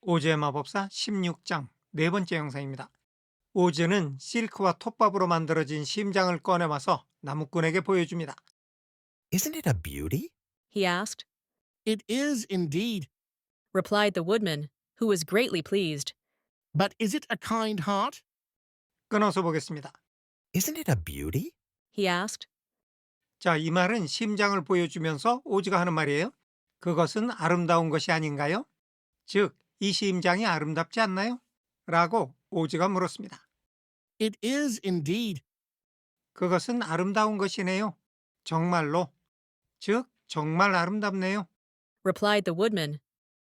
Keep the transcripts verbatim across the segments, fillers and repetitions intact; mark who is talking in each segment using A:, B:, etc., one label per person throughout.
A: 오즈의 마법사 십육 장 네 번째 영상입니다. 오즈는 실크와 톱밥으로 만들어진 심장을 꺼내와서 나무꾼에게 보여줍니다.
B: Isn't it a beauty?
C: he asked.
D: It is indeed.
C: Replied the woodman, who was greatly pleased.
D: But is it a kind heart?
A: 끊어서 보겠습니다.
B: Isn't it a beauty?
C: He asked.
A: 자, 이 말은 심장을 보여주면서 오즈가 하는 말이에요. 그것은 아름다운 것이 아닌가요? 즉, 이 심장이 아름답지 않나요? 라고 오즈가 물었습니다.
D: It is indeed.
A: 그것은 아름다운 것이네요. 정말로. 즉, 정말 아름답네요.
C: Replied the woodman,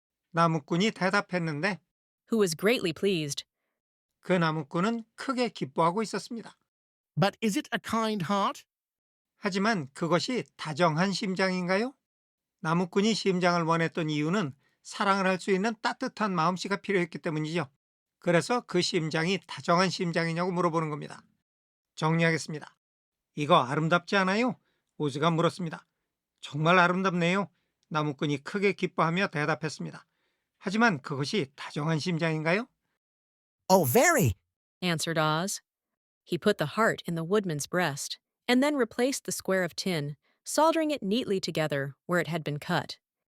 A: 나무꾼이 대답했는데
C: who was greatly pleased.
A: 그 나무꾼은 크게 기뻐하고 있었습니다.
D: But is it a kind heart?
A: 하지만 그것이 다정한 심장인가요? 나무꾼이 심장을 원했던 이유는 사랑을 할 수 있는 따뜻한 마음씨가 필요했기 때문이죠. 그래서 그 심장이 다정한 심장이냐고 물어보는 겁니다. 정리하겠습니다. 이거 아름답지 않아요? 오즈가 물었습니다. 정말 아름답네요. 나무꾼이 크게 기뻐하며 대답했습니다. 하지만 그것이 다정한 심장인가요?
B: Oh, very.
C: Answered Oz. He put the heart in the woodman's breast, and then replaced the square of tin, soldering it neatly together where it had been cut.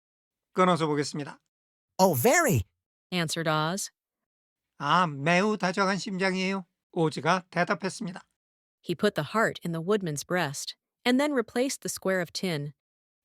A: 끊어서 보겠습니다.
B: Oh, very.
C: Answered Oz.
A: 아, 매우 다정한 심장이에요. 오즈가 대답했습니다.
C: He put the heart in the woodman's breast, and then replaced the square of tin.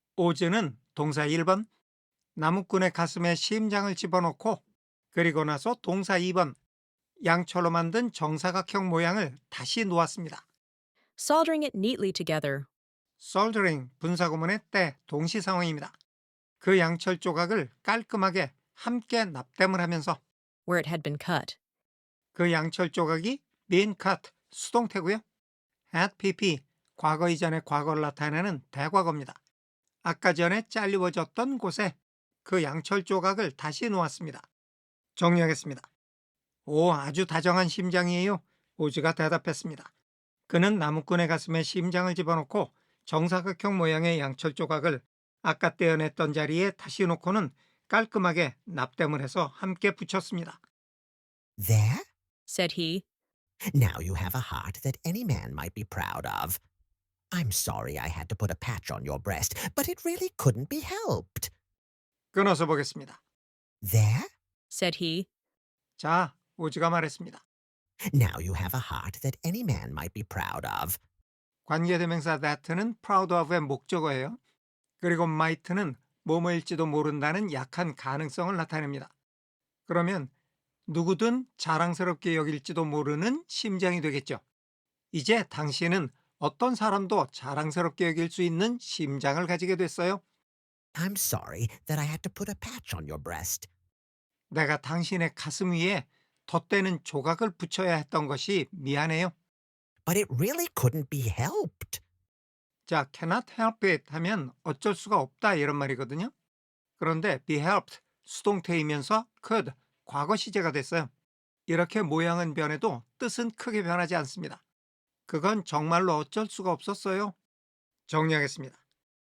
A: 오즈는 동사 일 번, 나무꾼의 가슴에 심장을 집어넣고 그리고 나서 동사 이 번, 양철로 만든 정사각형 모양을 다시 놓았습니다.
C: Soldering it neatly together.
A: soldering, 분사구문의 때, 동시 상황입니다. 그 양철 조각을 깔끔하게 함께 납땜을 하면서
C: where it had been cut.
A: 그 양철 조각이 been cut, 수동태고요. had pp, 과거 이전의 과거를 나타내는 대과거입니다. 아까 전에 잘리워졌던 곳에 그 양철 조각을 다시 놓았습니다. 정리하겠습니다. 오, 아주 다정한 심장이에요. 오즈가 대답했습니다. 그는 나무꾼의 가슴에 심장을 집어넣고 정사각형 모양의 양철 조각을 아까 떼어냈던 자리에 다시 놓고는 깔끔하게 납땜을 해서 함께 붙였습니다.
B: There?
C: Said he.
B: Now you have a heart that any man might be proud of. I'm sorry I had to put a patch on your breast, but it really couldn't be helped.
A: 끊어서 보겠습니다.
B: There?
C: Said he.
A: 자, 오즈가 말했습니다.
B: Now you have a heart that any man might be proud of.
A: 관계대명사 that는 proud of의 목적어예요. 그리고 might는 뭐뭐일지도 모른다는 약한 가능성을 나타냅니다. 그러면 누구든 자랑스럽게 여길지도 모르는 심장이 되겠죠. 이제 당신은 어떤 사람도 자랑스럽게 여길 수 있는 심장을 가지게 됐어요.
B: I'm sorry that I had to put a patch on your breast.
A: 내가 당신의 가슴 위에 덧대는 조각을 붙여야 했던 것이 미안해요.
B: But it really couldn't be helped.
A: 자, cannot help it 하면 어쩔 수가 없다 이런 말이거든요. 그런데 be helped, 수동태이면서 could, 과거 시제가 됐어요. 이렇게 모양은 변해도 뜻은 크게 변하지 않습니다. 그건 정말로 어쩔 수가 없었어요. 정리하겠습니다.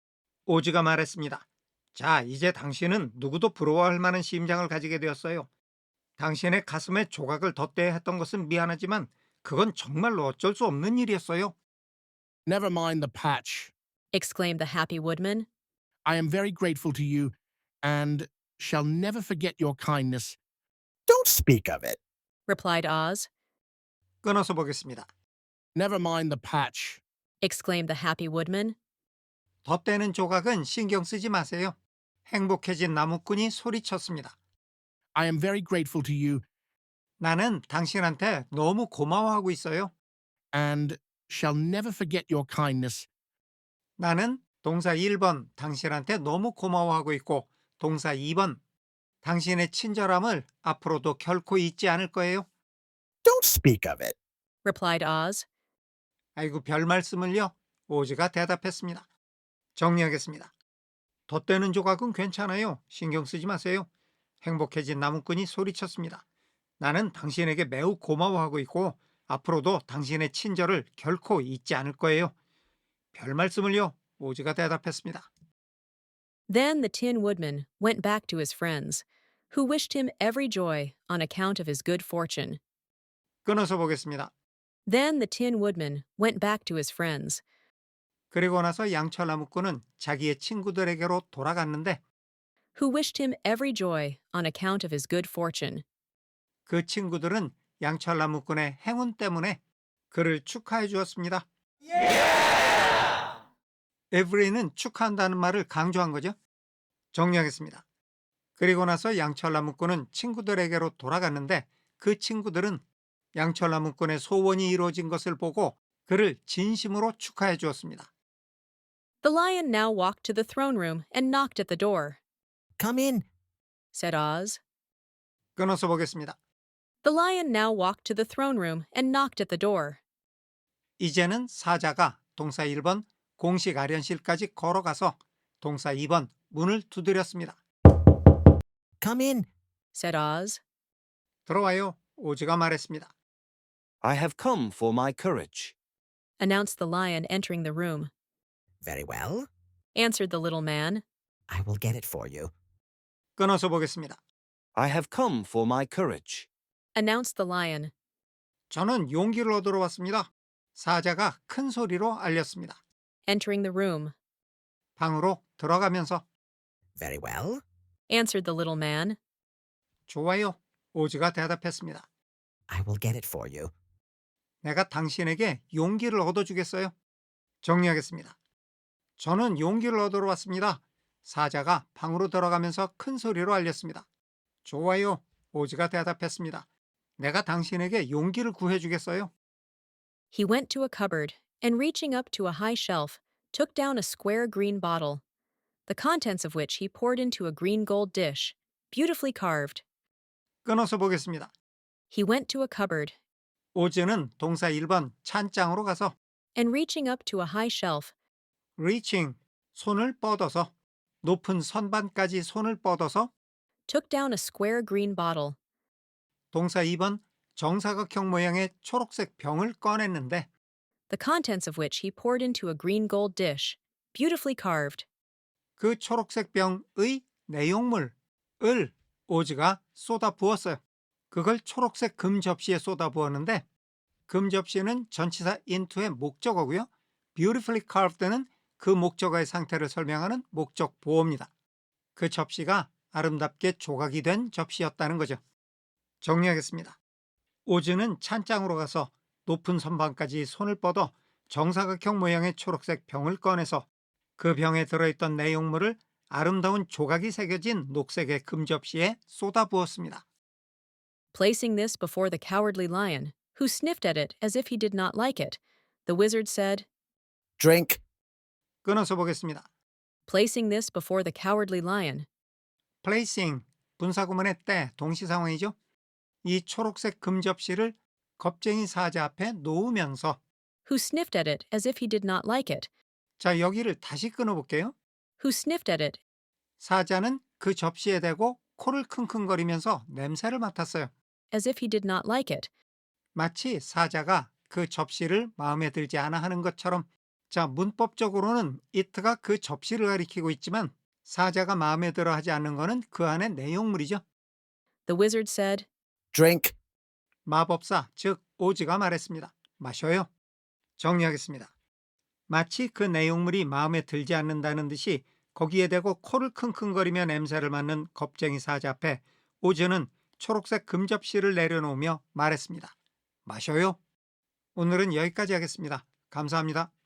A: 오즈가 말했습니다. 자, 이제 당신은 누구도 부러워할 만한 심장을 가지게 되었어요. 당신의 가슴에 조각을 덧대야 했던 것은 미안하지만 그건 정말로 어쩔 수 없는 일이었어요.
D: Never mind the patch.
C: Exclaimed the happy woodman.
D: I am very grateful to you and shall never forget your kindness.
B: Don't speak of it.
C: Replied Oz.
A: 끊어서 보겠습니다.
D: Never mind the patch.
C: Exclaimed the happy woodman.
A: 덧대는 조각은 신경 쓰지 마세요. 행복해진 나무꾼이 소리쳤습니다.
D: I am very grateful to you
A: 나는 당신한테 너무 고마워하고 있어요.
D: and shall never forget your kindness.
A: 나는 동사 일 번 당신한테 너무 고마워하고 있고 동사 이 번 당신의 친절함을 앞으로도 결코 잊지 않을 거예요.
B: Don't speak of it.
C: Replied Oz.
A: 아이고 별 말씀을요. 오즈가 대답했습니다. 정리하겠습니다. 덧대는 조각은 괜찮아요. 신경 쓰지 마세요. 행복해진 나무꾼이 소리쳤습니다. 나는 당신에게 매우 고마워하고 있고 앞으로도 당신의 친절을 결코 잊지 않을 거예요. 별 말씀을요. 오즈가 대답했습니다.
C: Then the Tin Woodman went back to his friends, who wished him every joy on account of his good fortune.
A: 끊어서 보겠습니다.
C: Then the Tin Woodman went back to his friends,
A: 그리고 나서 양철나무꾼은 자기의 친구들에게로 돌아갔는데
C: who wished him every joy on account of his good fortune.
A: 그 친구들은 양철나무꾼의 행운 때문에 그를 축하해 주었습니다. every는 축하한다는 말을 강조한 거죠. 정리하겠습니다. 그리고 나서 양철나무꾼은 친구들에게로 돌아갔는데 그 친구들은 양철나무꾼의 소원이 이루어진 것을 보고 그를 진심으로 축하해 주었습니다.
C: The lion now walked to the throne room and knocked at the door,
B: Come in.
C: said Oz.
A: 끊어서 보겠습니다.
C: The lion now walked to the throne room and knocked at the door.
A: 이제는 사자가 동사 일 번 공식 아련실까지 걸어가서 동사 이 번 문을 두드렸습니다.
B: Come in.
C: Said Oz.
A: 들어와요. 오즈가 말했습니다.
E: I have come for my courage.
C: Announced the lion entering the room.
B: Very well.
C: Answered the little man.
B: I will get it for you.
A: 끊어서 보겠습니다.
E: I have come for my courage.
C: Announced the lion.
A: 저는 용기를 얻으러 왔습니다. 사자가 큰 소리로 알렸습니다.
C: Entering the room.
A: 방으로 들어가면서
B: Very well.
C: Answered the little man.
A: 좋아요. 오즈가 대답했습니다.
B: I will get it for you.
A: 내가 당신에게 용기를 얻어주겠어요. 정리하겠습니다. 저는 용기를 얻으러 왔습니다. 사자가 방으로 들어가면서 큰 소리로 알렸습니다. 좋아요. 오즈가 대답했습니다. 내가 당신에게 용기를 구해주겠어요.
C: He went to a cupboard and, reaching up to a high shelf, took down a square green bottle, the contents of which he poured into a green gold dish, beautifully carved.
A: 끊어서 보겠습니다.
C: He went to a cupboard
A: 오즈는 동사 일 번 찬장으로 가서
C: and, reaching up to a high shelf,
A: reaching, 손을 뻗어서 높은 선반까지 손을 뻗어서
C: took down a square green bottle,
A: 동사 이 번 정사각형 모양의 초록색 병을 꺼냈는데
C: the contents of which he poured into a green gold dish, beautifully carved.
A: 그 초록색 병의 내용물을 오즈가 쏟아 부었어요. 그걸 초록색 금 접시에 쏟아 부었는데 금 접시는 전치사 into의 목적어고요. beautifully carved는 그 목적어의 상태를 설명하는 목적 보어입니다. 그 접시가 아름답게 조각이 된 접시였다는 거죠. 정리하겠습니다. 오즈는 찬장으로 가서 높은 선반까지 손을 뻗어 정사각형 모양의 초록색 병을 꺼내서 그 병에 들어있던 내용물을 아름다운 조각이 새겨진 녹색의 금 접시에 쏟아 부었습니다.
C: Placing this before the cowardly lion, who sniffed at it as if he did not like it, the wizard said,
B: Drink.
A: 끊어서 보겠습니다.
C: Placing this before the cowardly lion,
A: placing, 분사구문의 때 동시상황이죠. 이 초록색 금 접시를 겁쟁이 사자 앞에 놓으면서
C: who sniffed at it as if he did not like it,
A: 자, 여기를 다시 끊어볼게요.
C: who sniffed at it
A: 사자는 그 접시에 대고 코를 킁킁거리면서 냄새를 맡았어요.
C: as if he did not like it,
A: 마치 사자가 그 접시를 마음에 들지 않아 하는 것처럼. 자, 문법적으로는 it가 그 접시를 가리키고 있지만 사자가 마음에 들어 하지 않는 것은 그 안의 내용물이죠.
C: the wizard said,
B: Drink.
A: 마법사, 즉 오즈가 말했습니다. 마셔요. 정리하겠습니다. 마치 그 내용물이 마음에 들지 않는다는 듯이 거기에 대고 코를 킁킁거리며 냄새를 맡는 겁쟁이 사자 앞에 오즈는 초록색 금접시를 내려놓으며 말했습니다. 마셔요. 오늘은 여기까지 하겠습니다. 감사합니다.